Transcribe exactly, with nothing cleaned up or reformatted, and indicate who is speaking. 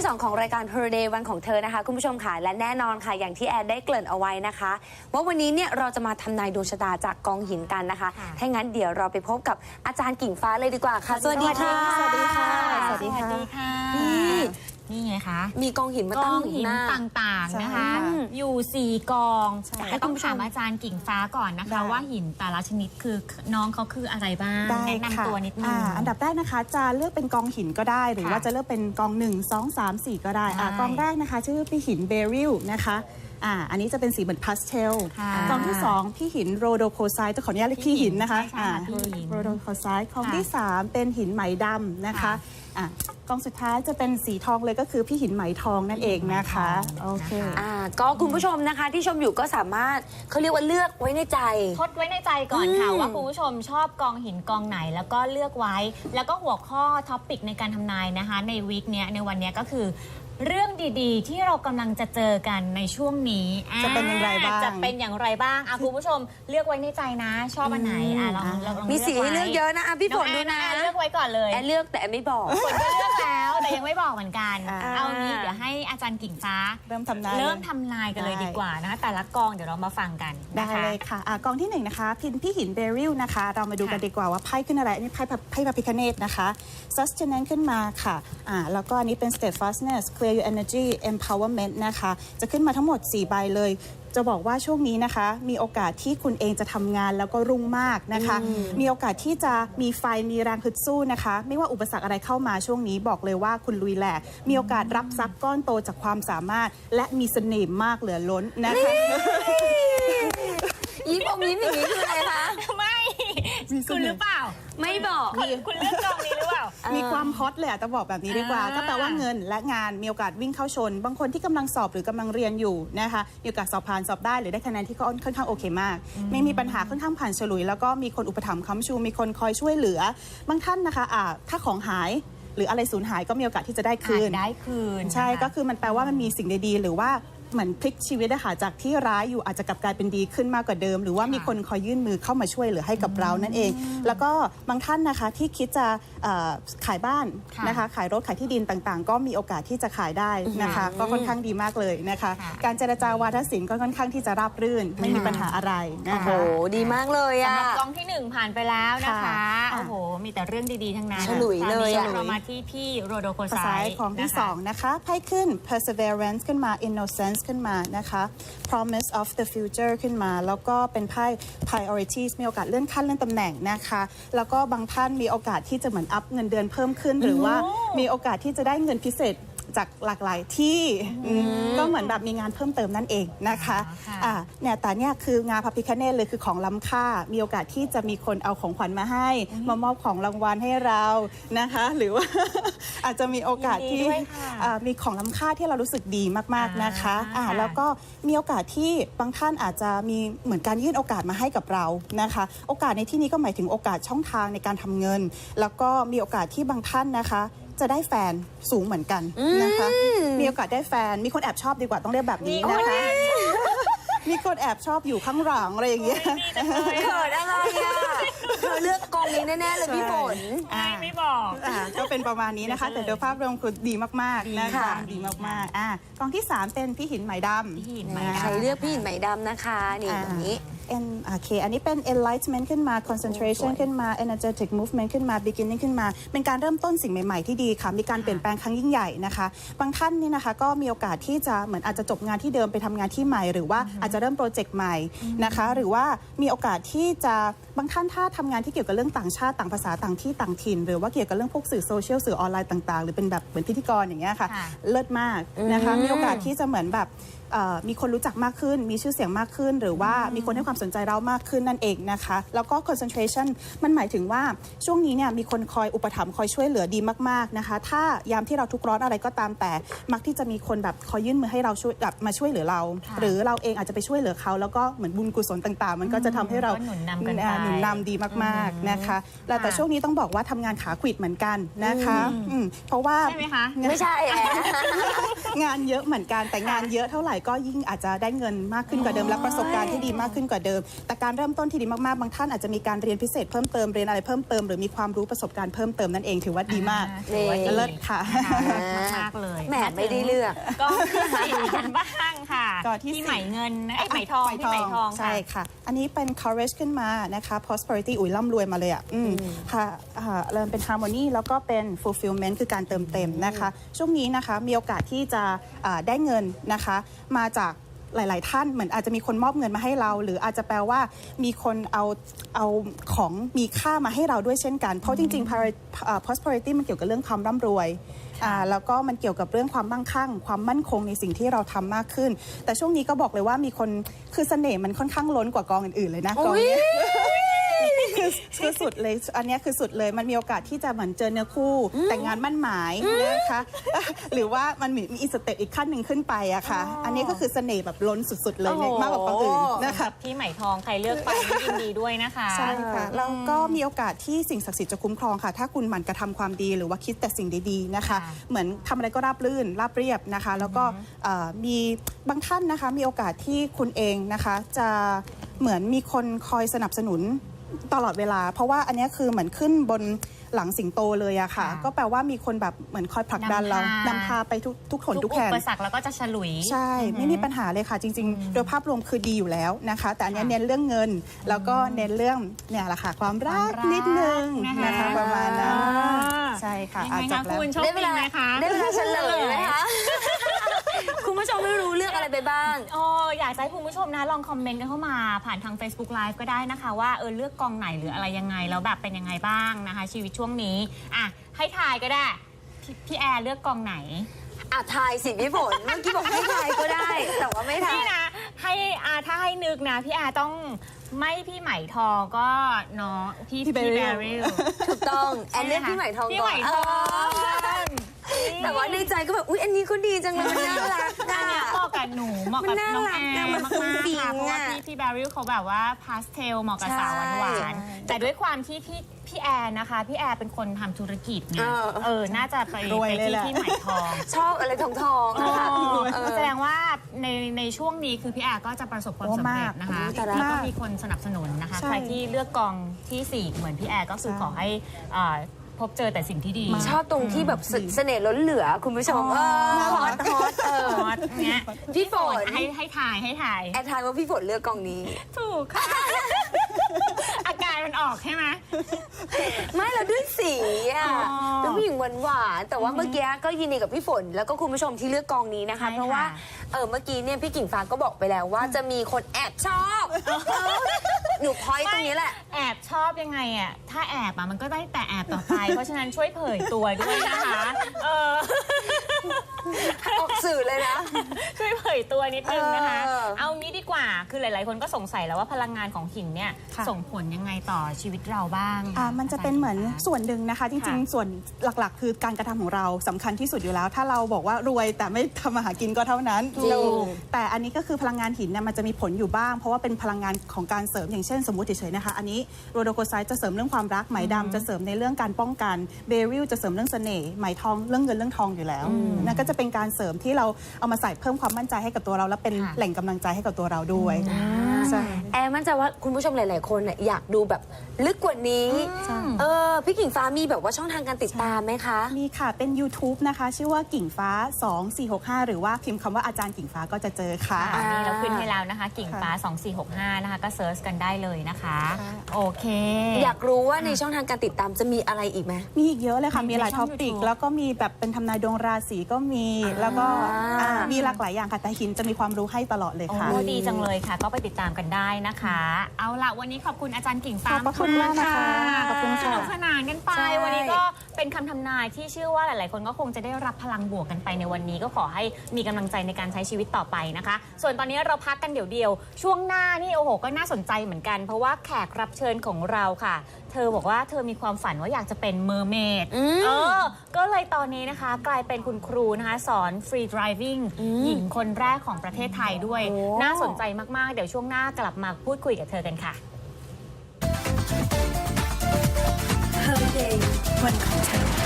Speaker 1: สองของรายการ Her Day วันของเธอนะคะคุณผู้ชมค่ะและแน่นอนค่ะอย่างที่แอดได้เกริ่นเอาไว้นะคะว่าวันนี้เนี่ยเราจะมาทำนายดวงชะตาจากกองหินกันนะคะถ้างั้นเดี๋ยวเราไปพบกับอาจารย์กิ่งฟ้าเลยดีกว่าค่ะสวัสดีค่ะ
Speaker 2: สวัสดีค่ะ
Speaker 3: สวัสดีค่ะ
Speaker 1: นี่
Speaker 3: นี่ไงคะ
Speaker 1: มีกองหินมาตั้งอยู่หน้า
Speaker 3: ต่างๆนะคะอยู่สี่กองแต่ต้องถามอาจารย์กิ่งฟ้าก่อนนะคะว่าหินแต่ละชนิดคือน้องเขาคืออะไรบ้างแนะนำตัวนิดนึง
Speaker 2: อันดับแรกนะคะจะเลือกเป็นกองหินก็ได้หรือว่าจะเลือกเป็นกองหนึ่งสองสามสี่ก็ได้กองแรกนะคะชื่อพี่หินเบริลนะคะอ่าอันนี้จะเป็นสีเหมือนพาสเทลกองที่สองพี่หินโรโดโคไซต์จะขออนุญาตเรียกพี่หินนะคะโรโดโคไซต์กองที่สามเป็นหินไหมดำนะคะอ่ากองสุดท้ายจะเป็นสีทองเลยก็คือพี่หินไหมทองนั่นเองนะคะโอเค
Speaker 1: อ่าก็คุณผู้ชมนะคะที่ชมอยู่ก็สามารถเขาเรียกว่าเลือกไว้ในใจ
Speaker 3: ทดไว้ในใจก่อนค่ะว่าคุณผู้ชมชอบกองหินกองไหนแล้วก็เลือกไว้แล้วก็หัวข้อท็อปิกในการทำนายนะคะในวีคนี้ในวันนี้ก็คือเรื่องดีๆที่เรากำลังจะเจอกันในช่วงนี้
Speaker 2: จะเป็นอย่างไรบ้าง
Speaker 3: จะเป็นอย่างไรบ้างอ่ะคุณผู้ชมเลือกไว้ในใจนะชอบอันไหนอ่ะลองลอง
Speaker 1: มีสีให้เลือกเยอะนะอ่ะพี่ฝนดูนะ
Speaker 3: เลือกไว้ก่อนเลย
Speaker 1: แอนเลือกแต่ไม่บอก
Speaker 3: ฝนก็เลือกแล้วแต่ยังไม่บอกเหมือนกันเอางี้เดี๋ยวให้อาจารย์กิ่งฟ้า
Speaker 2: เริ่มทำนาย
Speaker 3: เริ่มทำนายกันเลยดีกว่านะคะแต่ละกองเดี๋ยวเรามาฟังกัน
Speaker 2: ได้เลยค่ะกองที่หนึ่งนะคะพินพี่หินเบริลนะคะเรามาดูกันดีกว่าว่าไพ่ขึ้นอะไรอันนี้ไพ่ไพ่พระพิฆเนศนะคะ sustenance ขึ้นมาค่ะอ่าแล้วก็อันนี้เป็น steadfastness clear your energy empowerment นะคะจะขึ้นมาทั้งหมดสี่ใบเลยจะบอกว่าช่วงนี้นะคะมีโอกาสที่คุณเองจะทำงานแล้วก็รุ่งมากนะคะมีโอกาสที่จะมีไฟมีแรงฮึดสู้นะคะไม่ว่าอุปสรรคอะไรเข้ามาช่วงนี้บอกเลยว่าคุณลุยแหลกมีโอกาสรับทรัพย์ก้อนโตจากความสามารถและมีเสน่ห์มากเหลือล้นนะคะ
Speaker 1: ยิ้มอมยิ้มอย่างนี้คืออะไรคะ
Speaker 3: ไม่คุณหรือเปล่า
Speaker 1: ไม่บอก
Speaker 3: คุณเลือกกองนี้หรือเปล่า
Speaker 2: มีความฮอตเลยจะบอกแบบนี้ดีกว่าก็แปลว่าเงินและงานมีโอกาสวิ่งเข้าชนบางคนที่กำลังสอบหรือกำลังเรียนอยู่นะคะมีโอกาสสอบผ่านสอบได้หรือได้คะแนนที่ค่อนข้างโอเคมากไม่มีปัญหาค่อนข้างผ่านฉลุยแล้วก็มีคนอุปถัมภ์ค้ำชูมีคนคอยช่วยเหลือบางท่านนะคะอ่าถ้าของหายหรืออะไรสูญหายก็มีโอกาสที่จะได้คืน
Speaker 3: ได้คืน
Speaker 2: ใช่ก็คือมันแปลว่ามันมีสิ่งดีๆหรือว่าเหมือนพลิกชีวิตนะคะจากที่ร้ายอยู่อาจจะกลับกลายเป็นดีขึ้นมากกว่าเดิมหรือว่ามีคนคอยยื่นมือเข้ามาช่วยเหลือให้กับเรานั่นเองแล้วก็บางท่านนะคะที่คิดจะขายบ้านนะคะขายรถขายที่ดินต่างๆก็มีโอกาสที่จะขายได้นะคะก็ค่อนข้างดีมากเลยนะคะการเจรจาวาทศิลป์ก็ค่อนข้างที่จะราบรื่นไม่มีปัญหาอะไรนะคะ
Speaker 1: โอ้โหดีมากเลยอะ
Speaker 3: สำหรับกองที่หนึ่งผ่านไปแล้วนะคะโอ้โหมีแต่เรื่องดีๆทั้งนั้น
Speaker 1: ฉลุยเลย
Speaker 3: เรามาที่พี่โรโดโคไซต์
Speaker 2: ของที่สองนะคะไพ่ขึ้น perseverance ขึ้นมา innocenceขึ้นมานะคะ promise of the future ขึ้นมาแล้วก็เป็นไพ่ priorities มีโอกาสเลื่อนขั้นเลื่อนตำแหน่งนะคะแล้วก็บางท่านมีโอกาสที่จะเหมือนอัพเงินเดือนเพิ่มขึ้นหรือว่ามีโอกาสที่จะได้เงินพิเศษจากหลากหลายที่ก็เหมือนแบบมีงานเพิ่มเติมนั่นเองนะคะอ่าเนี่ยแต่เนี่ยคืองานพระพิฆเนศเลยคือของล้ำค่ามีโอกาสที่จะมีคนเอาของขวัญมาให้มามอบของรางวัลให้เรานะคะหรือว่าอาจจะมีโอกาสที่มีของล้ำค่าที่เรารู้สึกดีมากๆนะคะอ่าแล้วก็มีโอกาสที่บางท่านอาจจะมีเหมือนการยื่นโอกาสมาให้กับเรานะคะโอกาสในที่นี้ก็หมายถึงโอกาสช่องทางในการทำเงินแล้วก็มีโอกาสที่บางท่านนะคะจะได้แฟนสูงเหมือนกันนะคะมีโอกาสได้แฟนมีคนแอบชอบดีกว่าต้องเรียกแบบนี้นะคะมีคนแอบชอบอยู่ข้างหลังอะไรอย่างเงี้ย
Speaker 1: เกิดอะไรอ่ะเธอเลือกกองนี้แน่ๆเลยพี่ฝน
Speaker 3: ไม่บอก
Speaker 2: ก็เป็นประมาณนี้นะคะแต่โดยภาพรวมคือดีมากๆนะคะดีมากๆอ่ะกองที่สามเป็นพี่หินไหมดำ
Speaker 1: ใครเลือกพี่หินไหมดำนะคะนี่ตรงนี้
Speaker 2: โอเคอันนี้เป็น enlightenment ขึ้นมา concentration ขึ้นมา energetic movement ขึ้นมา beginning ขึ้นมาเป็นการเริ่มต้นสิ่งใหม่ๆที่ดีค่ะมีการเปลี่ยนแปลงครั้งยิ่งใหญ่นะคะบางท่านนี่นะคะก็มีโอกาสที่จะเหมือนอาจจะจบงานที่เดิมไปทำงานที่ใหม่หรือว่าอาจจะเริ่มโปรเจกต์ใหม่นะคะหรือว่ามีโอกาสที่จะบางท่านถ้าทำงานที่เกี่ยวกับเรื่องต่างชาติต่างภาษาต่างที่ต่างถิ่นหรือว่าเกี่ยวกับเรื่องพวกสื่อโซเชียลสื่อออนไลน์ต่างๆหรือเป็นแบบเหมือนพิธีกรอย่างเงี้ยค่ะเลิศมากนะคะมีโอกาสที่จะเหมือนแบบมีคนรู้จักมากขึ้นมีชื่อเสียงมากขึ้นหรือว่ามีคนให้ความสนใจเรามากขึ้นนั่นเองนะคะแล้วก็ concentration มันหมายถึงว่าช่วงนี้เนี่ยมีคนคอยอุปถัมภ์คอยช่วยเหลือดีมากๆนะคะถ้ายามที่เราทุกข์ร้อนอะไรก็ตามแต่มักที่จะมีคนแบบคอยยื่นมือให้เราช่วยแบบมาช่วยเหลือเราหรือเราเองอาจจะไปช่วยเหลือเขาแล้วก็เหมือนบุญกุศลต่างๆมันก็จะทำให้เรา
Speaker 3: หนุนนำกัน
Speaker 2: หนุนนำดีมากๆนะคะแต่ช่วงนี้ต้องบอกว่าทำงานขาขวิดเหมือนกันนะคะเพราะว่า
Speaker 3: ใช่ไหมคะ
Speaker 1: ไม่ใช่
Speaker 2: งานเยอะเหมือนกันแต่งานเยอะเท่าไหร่ก็ยิ่งอาจจะได้เงินมากขึ้นกว่าเดิมและประสบการณ์ที่ดีมากขึ้นกว่าเดิมเดิมแต่การเริ่มต้นที่ดีมากๆบางท่านอาจจะมีการเรียนพิเศษเพิ่มเติมเรียนอะไรเพิ่มเติมหรือมีความรู้ประสบการณ์เพิ่มเติมนั่นเองถือว่าดีมาก
Speaker 3: ถือว่าดี
Speaker 2: เลิศค่ะ
Speaker 3: มากๆเลย
Speaker 1: แหมไม่ได้เลือก
Speaker 3: ก็ที่สี่กันบ้างค่ะ
Speaker 2: ก็ที่
Speaker 3: ที่
Speaker 2: สี่
Speaker 3: ไหมเงินไอ้ยไหมทองที่ไหมทอง
Speaker 2: ใช่ค่ะ อันนี้เป็น courage ขึ้นมานะคะ prosperity อุ้ยร่ำรวยมาเลยอ่ะอืมค่ะอ่าเริ่มเป็น harmony แล้วก็เป็น fulfillment คือการเติมเต็มนะคะ ช่วงนี้นะคะมีโอกาสที่จะอ่าได้เงินนะคะ มาจากหลาย ๆ ท่านเหมือนอาจจะมีคนมอบเงินมาให้เรา หรืออาจจะแปลว่ามีคนเอาเอาของมีค่ามาให้เราด้วยเช่นกัน เพราะจริง ๆ pari- อ่า prosperity มันเกี่ยวกับเรื่องความร่ำรวยอ่าแล้วก็มันเกี่ยวกับเรื่องความมั่งคั่ง ความมั่นคงในสิ่งที่เราทำมากขึ้น แต่ช่วงนี้ก็บอกเลยว่ามีคนคือเสน่ห์มันค่อนข้างล้นกว่ากองอื่น ๆ เลยนะกองเนี้ย คือคือสุดเลยอันเนี้ยคือสุดเลยมันมีโอกาสที่จะเหมือนเจอเนื้อคู่แต่งงานมั่นหมายนะคะ หรือว่ามันมีมีอีกสเต็ปอีกขั้นหนึ่งขึ้นไปอะค่ะ อันนี้ก็คือเสน่ห์แบบล้นสุดๆเลย
Speaker 1: โอ้โห
Speaker 2: มากกว่ากองอื่นนะคะ
Speaker 3: ที่ไหมทองใครเลือกไปก็ยินดีด้วยนะคะ
Speaker 2: ใช่ค่ะแล้วก็มีโอกาสที่สิ่งศักดิ์สิทธิ์จะคุ้มครองค่ะ ถ้าคุณหมั่นกระทำความดีหรือว่าคิดแต่สิ่งดีๆนะคะ
Speaker 3: ค่ะ
Speaker 2: เหมือนทำอะไรก็ราบรื่นราบเรียบนะคะ แล้วก็เอ่อมีบางท่านนะคะ มีโอกาสที่คุณเองนะคะ จะเหมือนมีคนคอยสนับสนุนตลอดเวลา เพราะว่าอันเนี้ยคือเหมือนขึ้นบนหลังสิงโตเลยอะค่ะ
Speaker 3: ค่ะ
Speaker 2: ก็แปลว่ามีคนแบบเหมือนคอยผลักดันเรา
Speaker 3: นำพาน
Speaker 2: ำพาไปทุกทุกขน
Speaker 3: ทุ
Speaker 2: ทุ
Speaker 3: ก
Speaker 2: ก
Speaker 3: อุ
Speaker 2: แห่ง
Speaker 3: ปสรรคแล้วก็จะฉลุย
Speaker 2: ใช่ ไม่มีปัญหาเลยค่ะ จริง ๆ โดยภาพรวมคือดีอยู่แล้วนะคะ แต่อันเนี้ย
Speaker 3: ค่ะ
Speaker 2: เน้นเรื่องเงิน แล้วก็เน้นเรื่องเนี่ยแหละค่ะความรัก
Speaker 3: ความรัก
Speaker 2: นิดนึง
Speaker 3: นะคะ
Speaker 2: นะคะประมาณนั้น
Speaker 3: อ่า
Speaker 2: ใช่ค่ะ
Speaker 3: ยัง
Speaker 2: อา
Speaker 3: ไง
Speaker 2: จ
Speaker 3: คะ
Speaker 2: บแล้ว
Speaker 3: คุณโชค
Speaker 1: ได้เว
Speaker 3: ดี
Speaker 1: ลา
Speaker 3: ไหมคะ
Speaker 1: ได้เวลาเฉลยไหมคะ คุณผู้ชมไม่รู้เลือกอะไรไปบ้าง
Speaker 3: โอ้อยากจะให้คุณผู้ชมนะลองคอมเมนต์กันเข้ามาผ่านทาง Facebook Live ก็ได้นะคะ ว่าเออเลือกกองไหนหรืออะไรยังไงแล้วแบบเป็นยังไงบ้างนะคะ ชีวิตช่วงนี้อ่ะให้ทายก็ได้พพี่แอร์เลือกกองไหน
Speaker 1: อ่ะทายสิพี่ฝน เมื่อกี้บอกให้ทายก็ได้ แต่ว่าไม่ทาย
Speaker 3: นี่นะให้อาถ้าให้นึกนะพี่แอร์ต้องไม่พี่ไหมทองก็เนาะพี่
Speaker 2: พี่
Speaker 3: พี่
Speaker 2: Beryl
Speaker 3: แบริล
Speaker 1: ถูกต้อง แอนเลือกพี่ใหม่ทอง
Speaker 3: พี่
Speaker 1: ก่
Speaker 3: ไห
Speaker 1: อ
Speaker 3: ม
Speaker 1: น
Speaker 3: ทอง
Speaker 1: แต่ว่าในใจก็แบบ อุ๊ย อันนี้ก็ดีจังเลย มันน่ารัก
Speaker 3: อัน
Speaker 1: อ่ะ
Speaker 3: เนี้ยเหมาะกับหนูเหมาะกับ
Speaker 1: มันน่า
Speaker 3: น้อง
Speaker 1: รั
Speaker 3: แอก
Speaker 1: อะ
Speaker 3: ร์
Speaker 1: มัน
Speaker 3: มาก
Speaker 1: ฟุ้ง
Speaker 3: ๆ
Speaker 1: ฟิ้
Speaker 3: ค่ะ
Speaker 1: ง
Speaker 3: เพราะว่า
Speaker 1: อะ
Speaker 3: พี่พี่แบริลเขาแบบว่าพาสเทลเหมาะกับสาวหวาน
Speaker 1: ใช่
Speaker 3: ๆแต่ด้วยความที่พี่พี่แอร์นะคะ พี่แอร์เป็นคนทำธุรกิจไง
Speaker 1: เออ
Speaker 3: เออน่าจะไป
Speaker 2: รวย
Speaker 3: ไป
Speaker 2: เลย
Speaker 3: ที่
Speaker 2: แหละ
Speaker 3: ที่ไหมทอง
Speaker 1: ชอบอะไรทองทองๆอะค่ะ เออ
Speaker 3: แสดงว่าในในช่วงนี้คือพี่แอร์ก็จะประสบความ
Speaker 2: โอ้
Speaker 3: สำเร็จ
Speaker 2: มาก
Speaker 3: นะคะ
Speaker 1: โอ้แต่ละ
Speaker 3: แล้วก็มีคนสนับสนุนนะคะ
Speaker 2: ใช่
Speaker 3: ใครที่เลือกกองที่สี่เหมือนพี่แอร์ก็คือ
Speaker 2: ใช่
Speaker 3: ขอให้อ่าพบเจอแต่สิ่งที่ดี
Speaker 1: ชอบตรงที่แบบเสเสน่ห์ล้นเหลือ คุณผู้ชม เออ
Speaker 2: น่า
Speaker 1: ฮ
Speaker 2: รั
Speaker 1: อก ตฮอตเออ
Speaker 3: ฮอตเนี้ย
Speaker 1: พี่ฝน
Speaker 3: ให้ให้ถ่ายให้ถ่าย
Speaker 1: แอนทายว่าพี่ฝนเลือกกองนี้
Speaker 3: ถูกค่ะ อาการมันออกใช่ไหม
Speaker 1: ไม่เราด้วยสีอ่ะ
Speaker 3: อ๋อ
Speaker 1: เป็นผู้หญิงหวานหวานๆแต่ว่าเมื่อกี้ก็ยินดีกับพี่ฝน แล้วก็คุณผู้ชมที่เลือกกองนี้นะคะ
Speaker 3: ใช่ค่ะ
Speaker 1: เพราะว่าเออเมื่อกี้เนี่ยพี่กิ่งฟ้าก็บอกไปแล้วว่าจะมีคนแอบชอบเออหนูพอยต์ตรงนี้แหละ
Speaker 3: แอบชอบยังไงอ่ะ ถ้าแอบอ่ะมันก็ได้แต่แอบต่อไป เพราะฉะนั้นช่วยเผยตัวด้วยนะคะ เออ
Speaker 1: ออกสื่อเลยนะ
Speaker 3: ช่วยเผยตัวนิดนึงนะคะ
Speaker 1: เออ
Speaker 3: เอางี้ดีกว่า คือหลาย ๆ คนก็สงสัยแล้วว่าพลังงานของหินเนี่ย
Speaker 2: ค่ะ
Speaker 3: ส่งผลยังไงต่อชีวิตเราบ้าง
Speaker 2: อ่ามันจะเป็นเหมือนส่วนหนึ่งนะคะ จริง
Speaker 3: ค่ะ
Speaker 2: ๆ ส่วนหลักๆ คือการกระทำของเราสำคัญที่สุดอยู่แล้ว ถ้าเราบอกว่ารวยแต่ไม่ทำมาหากินก็เท่านั้น
Speaker 1: ถูก
Speaker 2: เราแต่อันนี้ก็คือพลังงานหินเนี่ยมันจะมีผลอยู่บ้าง เพราะว่าเป็นพลังงานของการเสริมอย่างเช่นสมมุติเฉยๆนะคะ อันนี้โรโดโคไซต์จะเสริมเรื่องความรักไหมดำจะเสริมในเรื่องการป้องกันเบริลจะเสริมเรื่องเสน่ห์ไหมทองเรื่องเงินเรื่องทองอยู่แล้วนั่นก็จะเป็นการเสริมที่เราเอามาใส่เพิ่มความมั่นใจให้กับตัวเรา และเป็น
Speaker 3: ค่ะ
Speaker 2: แหล่งกำลังใจให้กับตัวเราด้วยใช่
Speaker 1: แอร์มั่นใจว่าคุณผู้ชมหลาย ๆ คนน่ะอยากดูแบบลึกกว่านี้
Speaker 2: ใช่
Speaker 1: เออพี่กิ่งฟ้ามีแบบว่าช่องทางการติดตามไหมคะ
Speaker 2: มีค่ะ เป็น YouTube นะคะ ชื่อว่ากิ่งฟ้า สองสี่หกห้า หรือว่าพิมพ์คำว่าอาจารย์กิ่งฟ้าก็จะเจอค่ะ
Speaker 3: อันนี้เราขึ้นให้แล้วนะคะ กิ่งฟ้า สองสี่หกห้า นะคะ ก็เซิร์ชกันได้เลยนะคะ
Speaker 2: ค่ะ
Speaker 3: โอเค
Speaker 1: อยากรู้ว่าในช่องทางการติดตามจะมีอะไรอีกไหม
Speaker 2: มีอีกเยอะเลยค่ะ
Speaker 3: ใน
Speaker 2: มีหลาย
Speaker 3: ช่
Speaker 2: ท็
Speaker 3: อ
Speaker 2: อง ปิก
Speaker 3: YouTube
Speaker 2: แล้วก็มีแบบเป็นทำนายดวงราศีก็มี แล้วก็
Speaker 1: อ่า
Speaker 2: อ่ามีหลากหลายอย่างค่ะ แต่หินจะมีความรู้ให้ตลอดเลยค่ะ
Speaker 3: โอ้ดีจังเลยค่ะ ก็ไปติดตามกันได้นะคะ เอาละวันนี้ขอบคุณอาจารย์กิ่งฟ้า
Speaker 2: ขอบพระคุณมากนะคะขอบคุณค่ะ
Speaker 3: สนุกสนานกันไป
Speaker 1: ใช่
Speaker 3: วันนี้ก็เป็นคำทำนายที่เชื่อว่าหลาย ๆ คนก็คงจะได้รับพลังบวกกันไปในวันนี้ก็ขอให้มีกำลังใจในการใช้ชีวิตต่อไปนะคะ ส่วนตอนนี้เราพักกันเดี๋ยวเดียวช่วงหน้านี่โอ้โหก็น่าสนใจเหมือนกัน เพราะว่าแขกรับเชิญของเราค่ะ เธอบอกว่าเธอมีความฝันว่าอยากจะเป็นเมอร์เมด
Speaker 1: อืม
Speaker 3: เออ ก็เลยตอนนี้นะคะกลายเป็นคุณครูนะคะ สอนฟรีดริวิ่งหญิงคนแรกของประเทศไทยด้วย
Speaker 1: โอ้
Speaker 3: น่าสนใจมาก ๆ เดี๋ยวช่วงหน้ากลับมาพูดคุยกับเธอกันค่ะ
Speaker 4: Holiday วันของเธอ